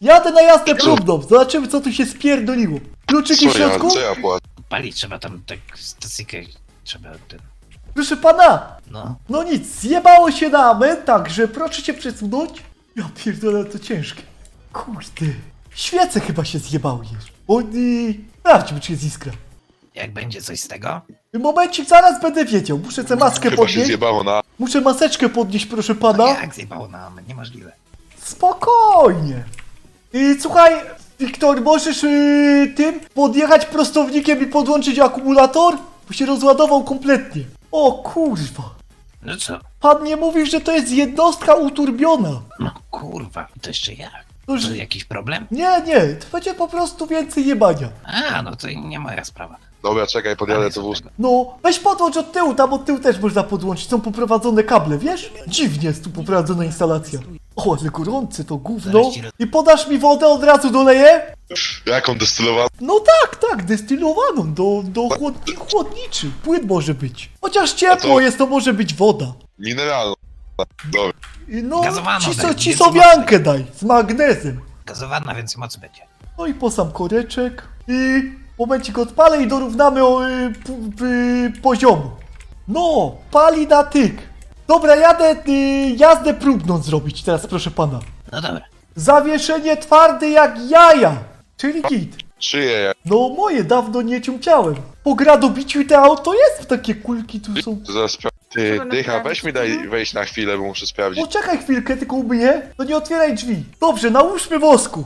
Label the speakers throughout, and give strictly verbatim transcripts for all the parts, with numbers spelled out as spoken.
Speaker 1: Jadę na jazdę próbną, zobaczymy co tu się spierdoliło. Kluczyki w
Speaker 2: Co ja,
Speaker 1: środku?
Speaker 2: co ja płacę?
Speaker 3: Palić trzeba tam tak stacyjkę, trzeba ten...
Speaker 1: Proszę pana,
Speaker 3: No.
Speaker 1: no nic, zjebało się na amen, także proszę się przesunąć. Ja pierdolę, to ciężkie. Kurde, świece chyba się zjebały jeszcze. O nie, sprawdźmy czy jest iskra.
Speaker 3: Jak będzie coś z tego?
Speaker 1: Momencik, zaraz będę wiedział, muszę tę maskę
Speaker 2: Chyba się
Speaker 1: podnieść.
Speaker 2: zjebało na...
Speaker 1: Muszę maseczkę podnieść, proszę
Speaker 3: No
Speaker 1: pana.
Speaker 3: jak zjebało nam? Niemożliwe.
Speaker 1: Spokojnie. I słuchaj, Wiktor, możesz yy, tym podjechać prostownikiem i podłączyć akumulator? Bo się rozładował kompletnie. O kurwa.
Speaker 3: No co?
Speaker 1: Pan nie mówi, że to jest jednostka uturbiona.
Speaker 3: No kurwa, to jeszcze jak?
Speaker 1: To, że...
Speaker 3: To jakiś problem?
Speaker 1: Nie, nie, to będzie po prostu więcej jebania.
Speaker 3: A, no to nie moja sprawa.
Speaker 2: Dobra, czekaj, podjadę to wóz.
Speaker 1: No, weź podłącz od tyłu, tam od tyłu też można podłączyć, są poprowadzone kable, wiesz? Dziwnie jest tu poprowadzona instalacja. O, ale gorące to gówno. I podasz mi wodę, od razu doleję?
Speaker 2: Jaką destylowaną?
Speaker 1: No tak, tak, destylowaną, do, do chłodni, chłodniczy, płyn może być. Chociaż ciepło
Speaker 2: to-
Speaker 1: jest, to może być woda.
Speaker 2: Mineralną. Dobra.
Speaker 1: I no,
Speaker 3: Gazowaną
Speaker 1: ciso,
Speaker 3: daj,
Speaker 1: cisowiankę daj, z magnezem.
Speaker 3: Gazowana, więc mocy będzie.
Speaker 1: No i po sam koreczek. I momencik odpalę i dorównamy o, y, p, y, poziomu. No, pali na tyk. Dobra, jadę y, jazdę próbną zrobić teraz, proszę pana.
Speaker 3: No dobra.
Speaker 1: Zawieszenie twarde jak jaja, czyli git.
Speaker 2: Czyje ja?
Speaker 1: No moje, dawno nie ciumciałem. Po gradobiciu te auto jest, takie kulki tu są.
Speaker 2: To zaraz spra- Ty,
Speaker 4: Trzeba
Speaker 2: dycha,
Speaker 4: naprawić.
Speaker 2: weź mi daj wejść na chwilę, bo muszę sprawdzić.
Speaker 1: Poczekaj chwilkę, tylko umyję. To nie otwieraj drzwi. Dobrze, nałóżmy wosku.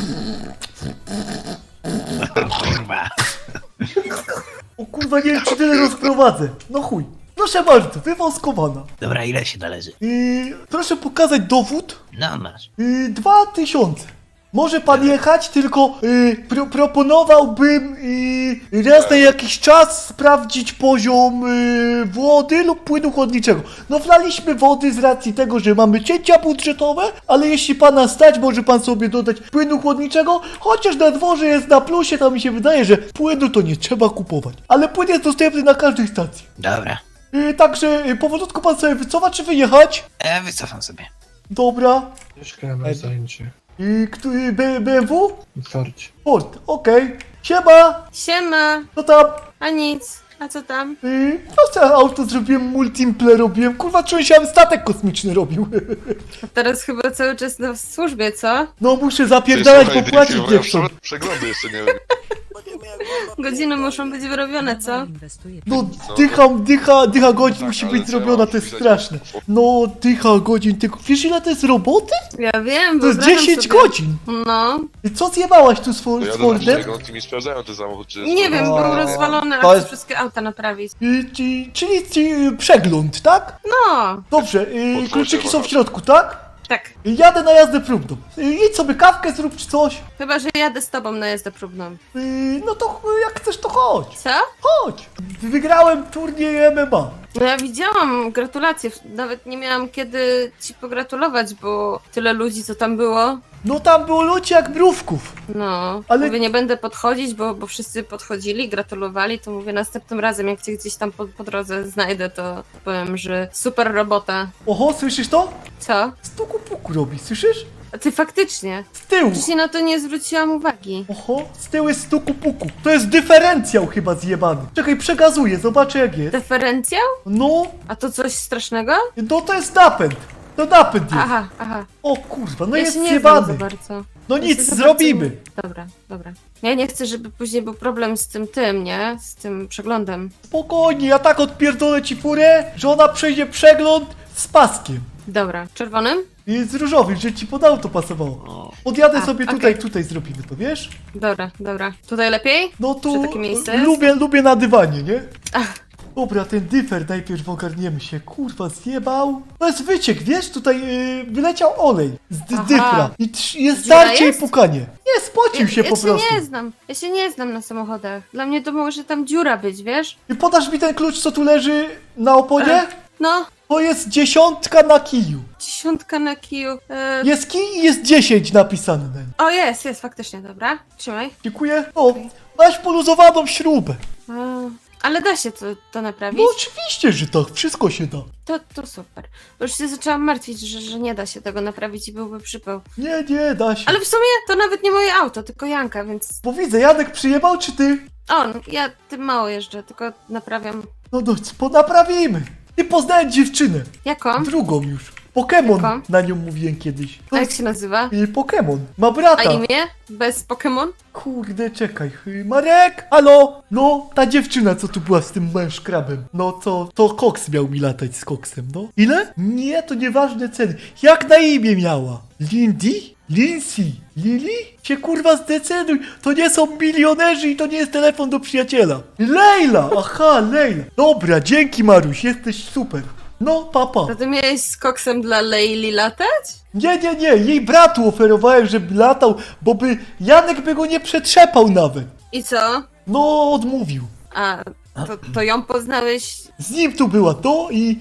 Speaker 3: O kurwa.
Speaker 1: O kurwa, nie wiem czy tyle rozprowadzę. No chuj. Proszę bardzo, wywoskowana.
Speaker 3: Dobra, ile się należy?
Speaker 1: Yy, proszę pokazać dowód.
Speaker 3: No masz.
Speaker 1: Yy, dwa tysiące. Może pan jechać, tylko yy, pro, proponowałbym yy, raz na jakiś czas sprawdzić poziom yy, wody lub płynu chłodniczego. No wlaliśmy wody z racji tego, że mamy cięcia budżetowe, ale jeśli pana stać, może pan sobie dodać płynu chłodniczego, chociaż na dworze jest na plusie, to mi się wydaje, że płynu to nie trzeba kupować. Ale płyn jest dostępny na każdej stacji.
Speaker 3: Dobra.
Speaker 1: Yy, także yy, powolutku pan sobie wycofa, czy wyjechać?
Speaker 3: E, wycofam sobie.
Speaker 1: Dobra.
Speaker 5: Troszkę na zajęcie.
Speaker 1: I kto, y, B- B M W?
Speaker 5: Otwarcie.
Speaker 1: Ford, okej. Siema!
Speaker 4: Siema,
Speaker 1: Co tam?
Speaker 4: a nic. A co tam?
Speaker 1: Y, no co, auto zrobiłem, multimple robiłem. Kurwa, czułem się, jakbym statek kosmiczny robił.
Speaker 4: A teraz chyba cały czas na służbie, co?
Speaker 1: No muszę
Speaker 2: Ty,
Speaker 1: zapierdalać,
Speaker 2: słuchaj,
Speaker 1: bo płacić
Speaker 2: dychy,
Speaker 1: nie
Speaker 2: bo
Speaker 1: chcą.
Speaker 2: ja Przeglądy jeszcze nie robię.
Speaker 4: Godziny muszą być wyrobione, co?
Speaker 1: No dycha, dycha, dycha godzin
Speaker 2: Tak,
Speaker 1: musi
Speaker 2: ale
Speaker 1: być
Speaker 2: trzeba
Speaker 1: zrobiona, to jest
Speaker 2: wpisać-
Speaker 1: straszne. No dycha godzin, tylko wiesz ile to jest roboty?
Speaker 4: Ja wiem,
Speaker 1: To jest
Speaker 4: wyobrażam
Speaker 1: dziesięć
Speaker 4: sobie.
Speaker 1: godzin.
Speaker 4: No.
Speaker 1: I co zjebałaś tu z,
Speaker 2: To
Speaker 1: Fo- z
Speaker 2: ja do
Speaker 1: Fordem?
Speaker 2: naszego mi sprawdzają ten samochód, czy jest...
Speaker 4: Nie wiem,
Speaker 1: O,
Speaker 4: był rozwalony, a
Speaker 1: to
Speaker 4: chcę
Speaker 1: jest-
Speaker 4: wszystkie auta naprawić.
Speaker 1: Y, ci- czyli ci, przegląd, tak?
Speaker 4: No,
Speaker 1: Dobrze, y,
Speaker 2: Otwórz
Speaker 1: kluczyki
Speaker 2: się,
Speaker 1: są w
Speaker 2: Wahadło.
Speaker 1: środku, tak?
Speaker 4: tak.
Speaker 1: Jadę na jazdę próbną. Y, Idź sobie kawkę zrób czy coś.
Speaker 4: Chyba, że jadę z tobą na jazdę próbną.
Speaker 1: Yy, no to ch- jak chcesz to chodź,
Speaker 4: Co?
Speaker 1: chodź. Wygrałem turniej M M A.
Speaker 4: No ja widziałam, gratulacje. Nawet nie miałam kiedy ci pogratulować, bo tyle ludzi, co tam było.
Speaker 1: No tam było ludzi jak mrówków.
Speaker 4: No,
Speaker 1: Ale-
Speaker 4: ale mówię, nie będę podchodzić, bo, bo wszyscy podchodzili, gratulowali, to mówię, następnym razem, jak cię gdzieś tam po, po drodze znajdę, to powiem, że super robota.
Speaker 1: Oho, słyszysz to?
Speaker 4: Co?
Speaker 1: Stuku puku robi, słyszysz?
Speaker 4: A ty faktycznie.
Speaker 1: Z tyłu.
Speaker 4: Wcześniej na to nie zwróciłam uwagi.
Speaker 1: Oho, z tyłu jest stuku puku. To jest dyferencjał chyba zjebany. Czekaj, przegazuję, zobaczę jak jest.
Speaker 4: Deferencjał?
Speaker 1: No,
Speaker 4: A to coś strasznego?
Speaker 1: no to jest napęd. To napęd jest.
Speaker 4: Aha, aha.
Speaker 1: O kurwa, no
Speaker 4: Ja
Speaker 1: jest
Speaker 4: się nie znam za
Speaker 1: zjebany.
Speaker 4: bardzo.
Speaker 1: No
Speaker 4: Ja
Speaker 1: nic,
Speaker 4: się za
Speaker 1: zrobimy.
Speaker 4: bardzo nie- Dobra, dobra. Ja nie chcę, żeby później był problem z tym tym, nie? Z tym przeglądem.
Speaker 1: Spokojnie, ja tak odpierdolę ci furę, że ona przejdzie przegląd z paskiem.
Speaker 4: Dobra, czerwonym?
Speaker 1: I z różowym, że ci pod auto pasowało. Podjadę
Speaker 4: A,
Speaker 1: sobie
Speaker 4: okej.
Speaker 1: tutaj, tutaj zrobimy to, wiesz?
Speaker 4: Dobra, dobra. Tutaj lepiej?
Speaker 1: No
Speaker 4: Czy
Speaker 1: tu
Speaker 4: takie miejsce jest?
Speaker 1: lubię, lubię na dywanie, nie?
Speaker 4: Ach.
Speaker 1: Dobra, ten dyfer najpierw ogarniemy się. Kurwa, zjebał. To jest wyciek, wiesz? Tutaj yy, wyleciał olej z dy
Speaker 4: Aha.
Speaker 1: dyfra. I trz- jest
Speaker 4: Dziura
Speaker 1: starcie i
Speaker 4: jest?
Speaker 1: pukanie. Nie, spocił się
Speaker 4: ja
Speaker 1: po
Speaker 4: się
Speaker 1: prostu.
Speaker 4: nie znam. Ja się nie znam na samochodach. Dla mnie to może tam dziura być, wiesz?
Speaker 1: I podasz mi ten klucz, co tu leży na oponie?
Speaker 4: Ech. No,
Speaker 1: To jest dziesiątka na kiju.
Speaker 4: dziesiątka na kiju. E...
Speaker 1: Jest kij i jest dziesięć napisane na nim.
Speaker 4: O, jest, jest, faktycznie, dobra. Trzymaj.
Speaker 1: Dziękuję. O, masz poluzowaną śrubę.
Speaker 4: A, Ale da się to, to naprawić?
Speaker 1: No oczywiście, że tak, wszystko się da.
Speaker 4: To, to super. Bo już się zaczęłam martwić, że, że nie da się tego naprawić i byłby przypał.
Speaker 1: Nie, nie, da się.
Speaker 4: Ale w sumie to nawet nie moje auto, tylko Janka, więc
Speaker 1: Bo widzę, Janek przyjebał, czy ty?
Speaker 4: on, ja tym mało jeżdżę, tylko naprawiam.
Speaker 1: No no, po naprawimy. I poznałem dziewczynę,
Speaker 4: Jaką?
Speaker 1: drugą już. Pokemon,
Speaker 4: Jaką?
Speaker 1: na nią mówiłem kiedyś.
Speaker 4: A jak się nazywa?
Speaker 1: I Pokemon, ma
Speaker 4: A
Speaker 1: brata.
Speaker 4: imię? Bez Pokémon?
Speaker 1: Kurde, czekaj. Y, Marek? Halo? No, ta dziewczyna, co tu była z tym małym szkrabem. No, co, to Koks miał mi latać z Koksem, no. Ile? Nie, to nieważne ceny. Jak na imię miała? Lindy? Lindsay? Lili? Się kurwa zdecyduj. To nie są milionerzy i to nie jest telefon do przyjaciela. Leila! Aha, Leila. Dobra, dzięki Maruś, jesteś super. No, papa.
Speaker 4: To ty miałeś z koksem dla Leili latać?
Speaker 1: Nie, nie, nie, jej bratu oferowałem, żeby latał, bo by Janek by go nie przetrzepał nawet.
Speaker 4: I co?
Speaker 1: No, odmówił.
Speaker 4: A, to, to ją poznałeś?
Speaker 1: Z nim tu była to i...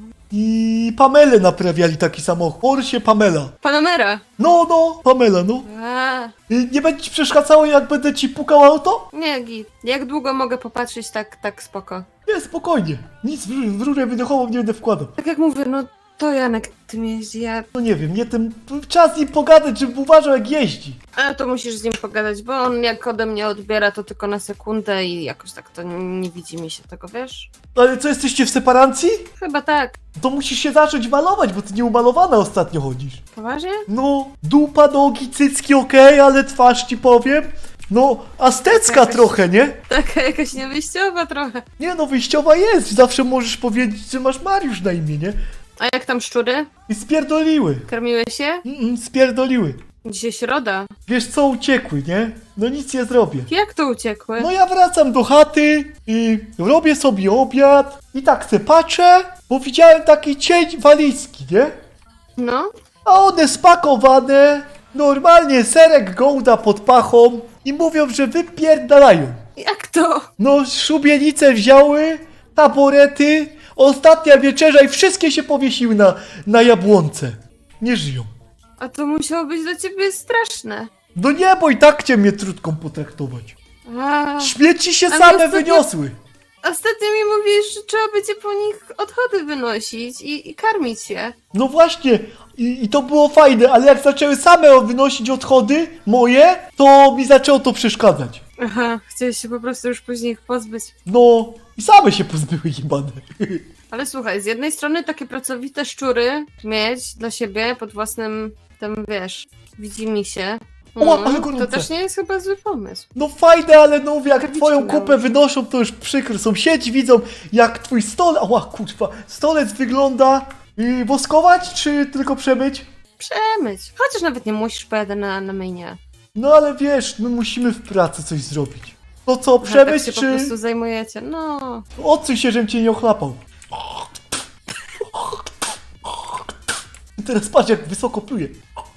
Speaker 1: i Pamelę naprawiali taki samochód. Porsche Pamela.
Speaker 4: Panamera.
Speaker 1: No, no, Pamela, no.
Speaker 4: A,
Speaker 1: I nie będzie ci przeszkadzało, jak będę ci pukał auto?
Speaker 4: nie, git. Jak długo mogę popatrzeć tak, tak spoko?
Speaker 1: Nie, spokojnie. Nic w, w rurę wydechową nie będę wkładał.
Speaker 4: Tak jak mówię, no to Janek tym jeździ, ja...
Speaker 1: No nie wiem, nie ten... Czas z nim pogadać, żeby uważał, jak jeździ.
Speaker 4: Ale to musisz z nim pogadać, bo on jak ode mnie odbiera, to tylko na sekundę i jakoś tak to nie widzi mi się tego, wiesz?
Speaker 1: Ale co, jesteście w separacji?
Speaker 4: Chyba tak.
Speaker 1: To musisz się zacząć malować, bo ty nieumalowana ostatnio chodzisz.
Speaker 4: Poważnie?
Speaker 1: No, dupa, nogi, cycki okej, ale twarz ci powiem. No, aztecka
Speaker 4: Jakaś-
Speaker 1: trochę, nie?
Speaker 4: Taka jakaś niewyjściowa trochę.
Speaker 1: Nie no, wyjściowa jest. Zawsze możesz powiedzieć, że masz Mariusz na imię, nie?
Speaker 4: A jak tam szczury?
Speaker 1: I spierdoliły.
Speaker 4: Karmiły się?
Speaker 1: Mm, spierdoliły.
Speaker 4: Dzisiaj środa.
Speaker 1: Wiesz co, uciekły, nie? No nic nie zrobię.
Speaker 4: Jak to uciekły?
Speaker 1: No ja wracam do chaty i robię sobie obiad i tak se patrzę, bo widziałem taki cień walizki, nie?
Speaker 4: No?
Speaker 1: A one spakowane, normalnie serek gołda pod pachą i mówią, że wypierdalają.
Speaker 4: Jak to?
Speaker 1: No, szubienice wzięły, taborety, ostatnia wieczerza i wszystkie się powiesiły na, na jabłonce. Nie żyją.
Speaker 4: A to musiało być dla ciebie straszne.
Speaker 1: No nie, bo i tak cię mnie trudką potraktować.
Speaker 4: A,
Speaker 1: Śmieci się
Speaker 4: A
Speaker 1: same
Speaker 4: ostatnio-
Speaker 1: wyniosły.
Speaker 4: ostatnio mi mówisz, że trzeba będzie po nich odchody wynosić i, i karmić się.
Speaker 1: No właśnie, i, i to było fajne, ale jak zaczęły same wynosić odchody moje, to mi zaczęło to przeszkadzać.
Speaker 4: Aha, chciałeś się po prostu już później ich pozbyć.
Speaker 1: No, i same się pozbyły jebane.
Speaker 4: Ale słuchaj, z jednej strony takie pracowite szczury mieć dla siebie pod własnym, tam wiesz, widzi mi się.
Speaker 1: O, ale
Speaker 4: to
Speaker 1: gorące.
Speaker 4: też nie jest chyba zły pomysł.
Speaker 1: No fajne, ale no jak
Speaker 4: Karbicie
Speaker 1: twoją
Speaker 4: miały.
Speaker 1: kupę wynoszą, to już przykro. Sąsiedzi widzą, jak twój stolec, ała kurwa, stolec wygląda. I woskować, czy tylko przemyć?
Speaker 4: Przemyć. Chociaż nawet nie musisz, pojadę na, na myjnie.
Speaker 1: No ale wiesz, my musimy w pracy coś zrobić. To co,
Speaker 4: Aha, tak
Speaker 1: przemyć,
Speaker 4: się po
Speaker 1: czy...
Speaker 4: prostu zajmujecie. No,
Speaker 1: Odsuń się, żebym cię nie ochlapał. I teraz patrz, jak wysoko pluje.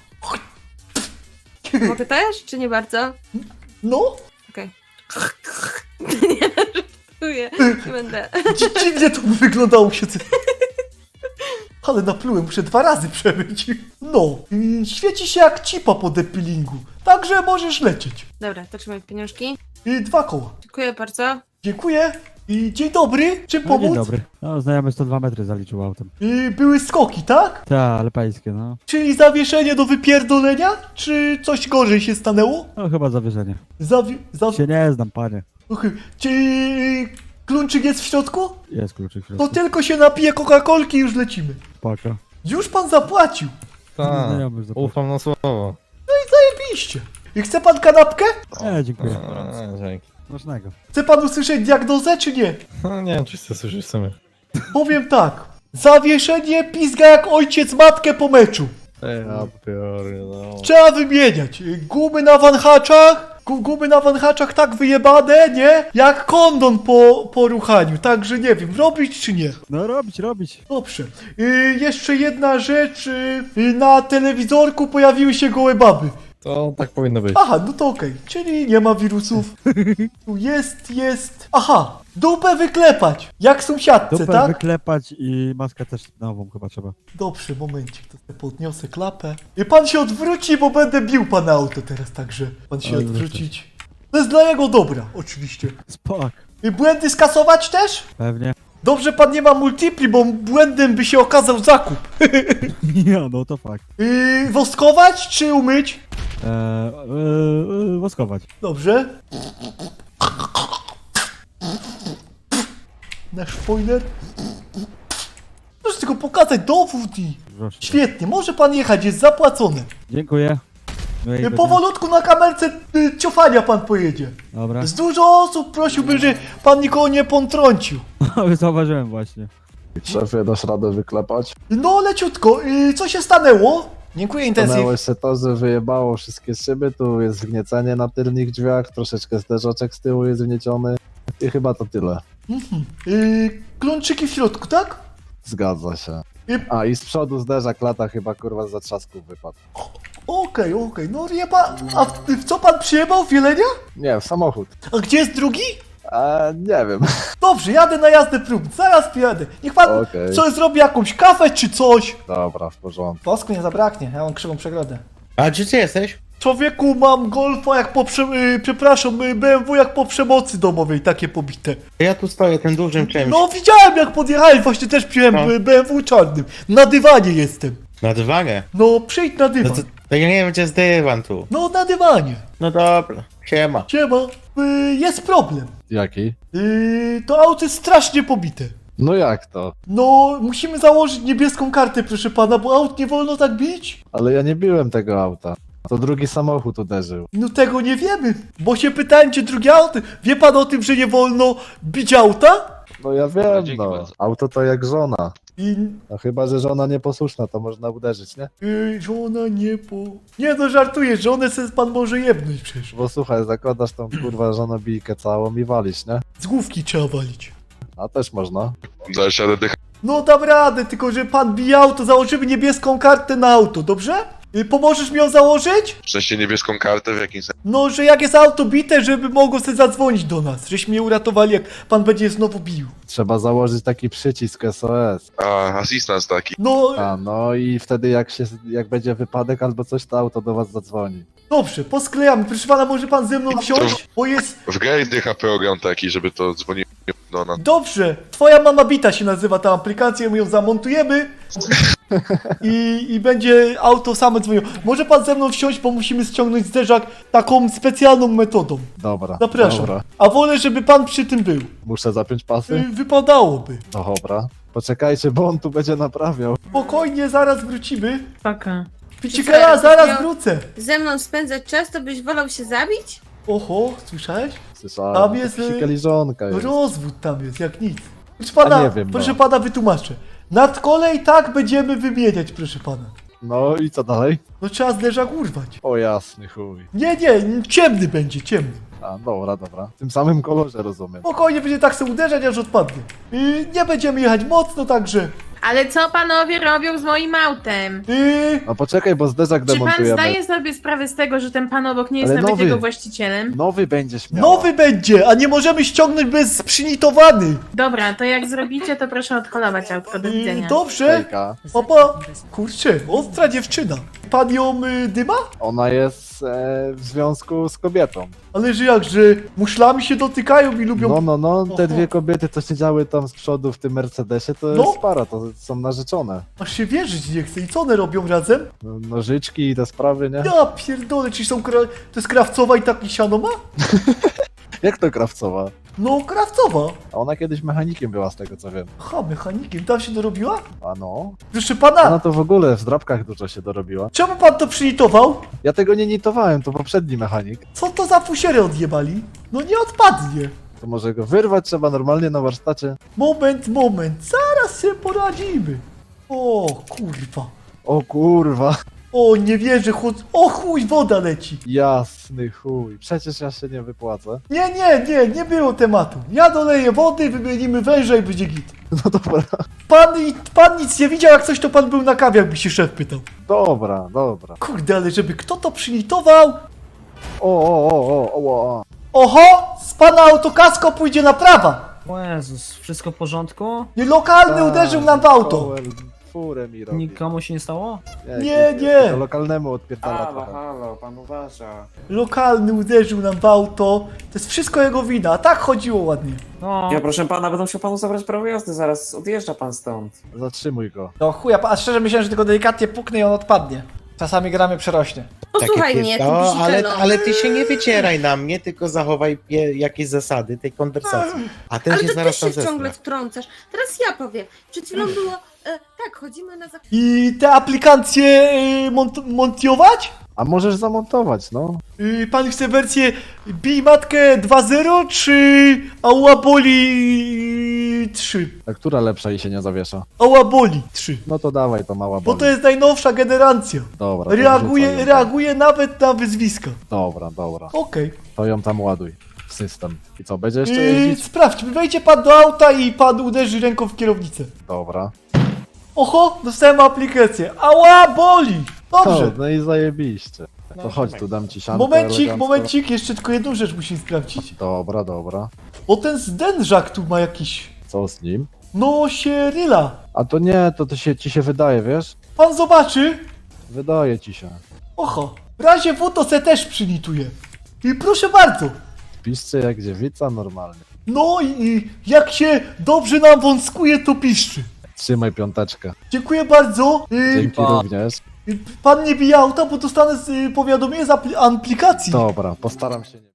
Speaker 4: mogę też, czy nie bardzo?
Speaker 1: No,
Speaker 4: Okej. nie, żartuję. Nie będę.
Speaker 1: dzi- dziwnie to by wyglądało się. Ale naplułem, muszę dwa razy przemyć. No, i świeci się jak cipa po depilingu. Także możesz lecieć.
Speaker 4: Dobra, to trzymaj pieniążki.
Speaker 1: I dwa koła.
Speaker 4: Dziękuję bardzo.
Speaker 1: Dziękuję. I dzień dobry. Czym
Speaker 6: No,
Speaker 1: pomóc?
Speaker 6: dzień dobry. No, znajomy sto dwa metry zaliczył autem.
Speaker 1: I były skoki, tak?
Speaker 6: Ta, ale pańskie, no.
Speaker 1: Czyli zawieszenie do wypierdolenia? Czy coś gorzej się stanęło?
Speaker 6: No, chyba zawieszenie.
Speaker 1: Zawi... Zawi...
Speaker 6: Się nie znam, panie.
Speaker 1: Ochy. Czy kluczyk jest w środku?
Speaker 6: Jest kluczyk w
Speaker 1: To
Speaker 6: środku.
Speaker 1: tylko się napije Coca-Colki i już lecimy.
Speaker 6: Spoko.
Speaker 1: Już pan zapłacił.
Speaker 5: Tak,
Speaker 6: Znajomy już zapłacił.
Speaker 5: ufam na słowo.
Speaker 1: Zajebiście. I chce pan kanapkę?
Speaker 6: Nie, dziękuję.
Speaker 5: A, dzięki.
Speaker 6: Smacznego.
Speaker 1: Chce pan usłyszeć diagnozę, czy nie?
Speaker 5: No, nie wiem, czy chcę słyszeć w sumie.
Speaker 1: Powiem tak. Zawieszenie pizga jak ojciec matkę po meczu.
Speaker 5: Ej, ja piorę, no.
Speaker 1: Trzeba wymieniać. Gumy na wanhaczach. gu- Gumy na wanhaczach tak wyjebane, nie? Jak kondon po, po ruchaniu. Także nie wiem, robić czy nie.
Speaker 6: No, robić, robić.
Speaker 1: Dobrze. Y, jeszcze jedna rzecz. Y, y, na telewizorku pojawiły się gołe baby.
Speaker 5: To tak powinno być.
Speaker 1: Aha, no to okej. Czyli nie ma wirusów. Tu jest, jest. Aha, dupę wyklepać. Jak sąsiadce,
Speaker 6: Dupę
Speaker 1: tak?
Speaker 6: wyklepać i maskę też nową chyba trzeba.
Speaker 1: Dobrze, momencik, to sobie podniosę klapę. I pan się odwróci, bo będę bił pana auto teraz, także pan się
Speaker 6: Oj,
Speaker 1: odwrócić. To jest dla jego dobra, oczywiście.
Speaker 6: Spok.
Speaker 1: Y, Błędy skasować też?
Speaker 6: Pewnie.
Speaker 1: Dobrze pan nie ma multipli, bo błędem by się okazał zakup.
Speaker 6: Ja, no to fakt.
Speaker 1: Yy, woskować czy umyć?
Speaker 6: Eee, eee, eee, woskować.
Speaker 1: Dobrze. Nasz spoiler. Proszę tylko pokazać dowód i...
Speaker 6: Proszę.
Speaker 1: Świetnie, może pan jechać, jest zapłacone.
Speaker 6: Dziękuję. Miłego
Speaker 1: Yy,
Speaker 6: dnia.
Speaker 1: powolutku na kamerce yy, ciofania pan pojedzie.
Speaker 6: Dobra.
Speaker 1: Z dużo osób prosiłby, że pan nikogo nie potrącił.
Speaker 6: Zauważyłem właśnie.
Speaker 7: Szefie, dasz radę wyklepać?
Speaker 1: No leciutko, yy, co się stanęło? Dziękuję, intensyw.
Speaker 7: Stanęło się to, że wyjebało wszystkie szyby, tu jest wgniecenie na tylnych drzwiach, troszeczkę zderzaczek z tyłu jest wgnieciony i chyba to tyle.
Speaker 1: Mhm. Yy, klączyki w środku, tak?
Speaker 7: Zgadza się.
Speaker 1: I-
Speaker 7: A i z przodu zderzak lata chyba kurwa z zatrzasków wypadł.
Speaker 1: Okej, okej, no nie pan... A w, w co pan przyjebał? W Jelenia?
Speaker 7: Nie, w samochód.
Speaker 1: A gdzie jest drugi?
Speaker 7: A nie wiem.
Speaker 1: Dobrze, jadę na jazdę prób, zaraz pojadę. Niech pan
Speaker 7: Okej.
Speaker 1: coś zrobi, jakąś kawę czy coś.
Speaker 7: Dobra, w porządku.
Speaker 1: Pasku nie zabraknie, ja mam krzywą przegrodę.
Speaker 5: A gdzie ty jesteś?
Speaker 1: Człowieku, mam Golfa jak po prze... Yy, przepraszam, yy, B M W jak po przemocy domowej, takie pobite.
Speaker 5: Ja tu stoję tym dużym czymś.
Speaker 1: No widziałem jak podjechałeś, właśnie też piłem
Speaker 5: No.
Speaker 1: yy, B M W czarnym. Na dywanie jestem.
Speaker 5: Na dywanie?
Speaker 1: No, przyjdź na
Speaker 5: No
Speaker 1: dywan.
Speaker 5: to, to ja nie wiem gdzie jest dywan tu.
Speaker 1: No, na dywanie.
Speaker 5: No dobra, siema.
Speaker 1: Siema, yy, jest problem.
Speaker 7: Jaki?
Speaker 1: Yy, to auto jest strasznie pobite.
Speaker 7: No jak to?
Speaker 1: No, musimy założyć niebieską kartę, proszę pana, bo aut nie wolno tak bić.
Speaker 7: Ale ja nie biłem tego auta. To drugi samochód uderzył.
Speaker 1: No tego nie wiemy, bo się pytałem, czy drugie auto... Wie pan o tym, że nie wolno bić auta?
Speaker 7: No ja
Speaker 2: Dobra,
Speaker 7: wiem,
Speaker 2: dzięki
Speaker 7: no.
Speaker 2: bardzo.
Speaker 7: Auto to jak żona.
Speaker 1: I...
Speaker 7: No chyba, że żona nieposłuszna, to można uderzyć, nie?
Speaker 1: Yy, żona nie po... Nie no, żartuję, żonę se pan może jebnąć przecież.
Speaker 7: Bo słuchaj, zakładasz tą kurwa żonobijkę całą i walisz, nie?
Speaker 1: Z główki trzeba walić.
Speaker 7: A też można.
Speaker 2: Zaraz się oddycha.
Speaker 1: No dam radę, tylko że pan bije auto, założymy niebieską kartę na auto, dobrze? Yy, pomożesz mi ją założyć?
Speaker 2: W sensie niebieską kartę w jakimś sensie.
Speaker 1: No, że jak jest auto bite, żeby mogło sobie zadzwonić do nas, żeśmy je uratowali, jak pan będzie znowu bił.
Speaker 7: Trzeba założyć taki przycisk S O S.
Speaker 2: A, asystent taki.
Speaker 1: No,
Speaker 7: A no i wtedy jak się, jak będzie wypadek albo coś, to auto do was zadzwoni.
Speaker 1: dobrze, posklejamy. Proszę pana, może pan ze mną wsiąść? Bo jest...
Speaker 2: W grę dycha program taki, żeby to dzwoniło do nas.
Speaker 1: Dobrze, twoja mama bita się nazywa ta aplikacja, my ją zamontujemy i, i będzie auto same dzwoniło. Może pan ze mną wsiąść, bo musimy ściągnąć zderzak taką specjalną metodą.
Speaker 7: Dobra,
Speaker 1: Zapraszam.
Speaker 7: dobra.
Speaker 1: A wolę, żeby pan przy tym był.
Speaker 7: Muszę zapiąć pasy?
Speaker 1: Y, Wypadałoby.
Speaker 7: No dobra. Poczekajcie, bo on tu będzie naprawiał.
Speaker 1: Spokojnie, zaraz wrócimy.
Speaker 4: Spoko.
Speaker 1: Picikela, zaraz wrócę.
Speaker 4: Ze mną spędzać czas, to byś wolał się zabić?
Speaker 1: Oho, słyszałeś?
Speaker 7: Słyszałem,
Speaker 1: Tam jest, y,
Speaker 7: psikaliżonka jest.
Speaker 1: Rozwód tam jest, jak nic. Proszę pana,
Speaker 7: A nie wiem,
Speaker 1: proszę
Speaker 7: no.
Speaker 1: pana wytłumaczę. Nad kolej tak będziemy wymieniać, proszę pana.
Speaker 7: No i co dalej?
Speaker 1: No trzeba zderzak urwać.
Speaker 7: O jasny chuj.
Speaker 1: Nie, nie, ciemny będzie, ciemny.
Speaker 7: A dobra, dobra. W tym samym kolorze rozumiem.
Speaker 1: Spokojnie będzie tak sobie uderzać, aż odpadnie. I nie będziemy jechać mocno, także...
Speaker 8: Ale co panowie robią z moim autem?
Speaker 1: Yy,
Speaker 7: No poczekaj, bo zderzak
Speaker 8: Czy pan
Speaker 7: demontujemy.
Speaker 8: zdaje sobie sprawę z tego, że ten pan obok nie jest
Speaker 7: Ale
Speaker 8: nawet
Speaker 7: nowy.
Speaker 8: jego właścicielem?
Speaker 7: Nowy będziesz miał.
Speaker 1: nowy będzie, a nie możemy ściągnąć bez przynitowany.
Speaker 8: Dobra, to jak zrobicie, to proszę odholować autko. Do
Speaker 1: Yy,
Speaker 8: widzenia.
Speaker 1: dobrze.
Speaker 7: Hejka.
Speaker 1: Papa, kurczę, ostra dziewczyna. Pan ją y, dyma?
Speaker 7: Ona jest e, w związku z kobietą.
Speaker 1: Ale że jak, że muszlami się dotykają i lubią...
Speaker 7: No, no, no, te
Speaker 1: Oho.
Speaker 7: dwie kobiety, co siedziały tam z przodu w tym Mercedesie, to
Speaker 1: No.
Speaker 7: jest para, to są narzeczone.
Speaker 1: Aż się wierzyć nie chce. I co one robią razem?
Speaker 7: No, nożyczki i te sprawy, nie?
Speaker 1: Ja pierdolę, czy są kra... To jest krawcowa i taki siano ma?
Speaker 7: Jak to krawcowa?
Speaker 1: No, krawcowa.
Speaker 7: A ona kiedyś mechanikiem była, z tego co wiem.
Speaker 1: Ha, mechanikiem, tam się dorobiła?
Speaker 7: A no?
Speaker 1: Proszę pana,
Speaker 7: Ona to w ogóle w zdrabkach dużo się dorobiła.
Speaker 1: czemu pan to przynitował?
Speaker 7: Ja tego nie nitowałem, to poprzedni mechanik.
Speaker 1: Co to za fusiery odjebali? No nie odpadnie.
Speaker 7: To może go wyrwać trzeba normalnie na warsztacie.
Speaker 1: Moment, moment, zaraz się poradzimy. O, kurwa.
Speaker 7: O kurwa,
Speaker 1: O, nie wierzę, chłod... O chuj, woda leci.
Speaker 7: jasny chuj. Przecież ja się nie wypłacę.
Speaker 1: Nie, nie, nie, nie było tematu. Ja doleję wody, wymienimy węża i będzie git.
Speaker 7: No dobra,
Speaker 1: Pan, i- pan nic nie widział, jak coś to pan był na kawie, jakby się szef pytał.
Speaker 7: dobra, dobra.
Speaker 1: Kurde, ale żeby kto to przynitował?
Speaker 7: O, o, o, o, o, o.
Speaker 1: Oho, z pana autokasko pójdzie naprawa.
Speaker 9: O Jezus, wszystko w porządku?
Speaker 1: Nie lokalny
Speaker 7: Tak,
Speaker 1: uderzył nam w auto.
Speaker 7: Powell, furę mi robi.
Speaker 9: Nikomu się nie stało?
Speaker 1: Nie, nie.
Speaker 7: To lokalnemu odpierdala
Speaker 10: Halo,
Speaker 7: trochę.
Speaker 10: halo, pan uważa.
Speaker 1: Lokalny uderzył nam w auto. To jest wszystko jego wina, a tak chodziło ładnie.
Speaker 9: No.
Speaker 10: Ja proszę pana, będą musiał panu zabrać prawo jazdy, zaraz odjeżdża pan stąd.
Speaker 7: Zatrzymuj go.
Speaker 1: No chuja, a szczerze myślałem, że tylko delikatnie puknę i on odpadnie. Czasami gramy przerośnie.
Speaker 4: Posłuchaj mnie, ty
Speaker 5: No, ale,
Speaker 4: bzikelo.
Speaker 5: ale ty się nie wycieraj na mnie, tylko zachowaj pie- jakieś zasady tej konwersacji. A ten
Speaker 4: Ale
Speaker 5: się
Speaker 4: to
Speaker 5: zaraz
Speaker 4: też
Speaker 5: tam
Speaker 4: się ciągle
Speaker 5: zestra.
Speaker 4: wtrącasz. Teraz ja powiem. Przed chwilą było... E, tak, chodzimy na zakupy.
Speaker 1: I te aplikacje y, mont montiować?
Speaker 7: A możesz zamontować, no.
Speaker 1: Y, pan chce wersję Bij Matkę dwa zero czy Ałaboli trzy?
Speaker 7: A która lepsza i się nie zawiesza?
Speaker 1: Ałaboli trzy.
Speaker 7: No to dawaj, to mała
Speaker 1: Bo
Speaker 7: boli.
Speaker 1: to jest najnowsza generacja.
Speaker 7: Dobra, to
Speaker 1: Reaguje,
Speaker 7: wrzucaj ją.
Speaker 1: reaguje nawet na wyzwiska.
Speaker 7: Dobra, dobra.
Speaker 1: Okej.
Speaker 7: To ją tam ładuj w system. I co, będzie jeszcze
Speaker 1: Yy,
Speaker 7: jeździć?
Speaker 1: sprawdź, wejdzie pan do auta i pan uderzy ręką w kierownicę.
Speaker 7: Dobra.
Speaker 1: Oho, dostałem aplikację. Ała, boli! Dobrze.
Speaker 7: O, no i zajebiście. To chodź, tu dam ci siankę
Speaker 1: Momencik,
Speaker 7: elegancko.
Speaker 1: momencik, jeszcze tylko jedną rzecz musimy sprawdzić.
Speaker 7: Dobra, dobra.
Speaker 1: O, ten zdężak tu ma jakiś...
Speaker 7: Co z nim?
Speaker 1: No, się ryla.
Speaker 7: A to nie, to, to się, ci się wydaje, wiesz?
Speaker 1: Pan zobaczy.
Speaker 7: Wydaje ci się.
Speaker 1: Oho, w razie W to se też przylituje. I proszę bardzo.
Speaker 7: Piszcie jak dziewica normalnie.
Speaker 1: No i, i jak się dobrze nam wąskuje, to piszczy.
Speaker 7: Trzymaj piąteczkę.
Speaker 1: Dziękuję bardzo. Yy,
Speaker 7: Dzięki również.
Speaker 1: pan nie bije auta, bo dostanę y, powiadomienie z apli- aplikacji.
Speaker 7: Dobra, postaram się nie...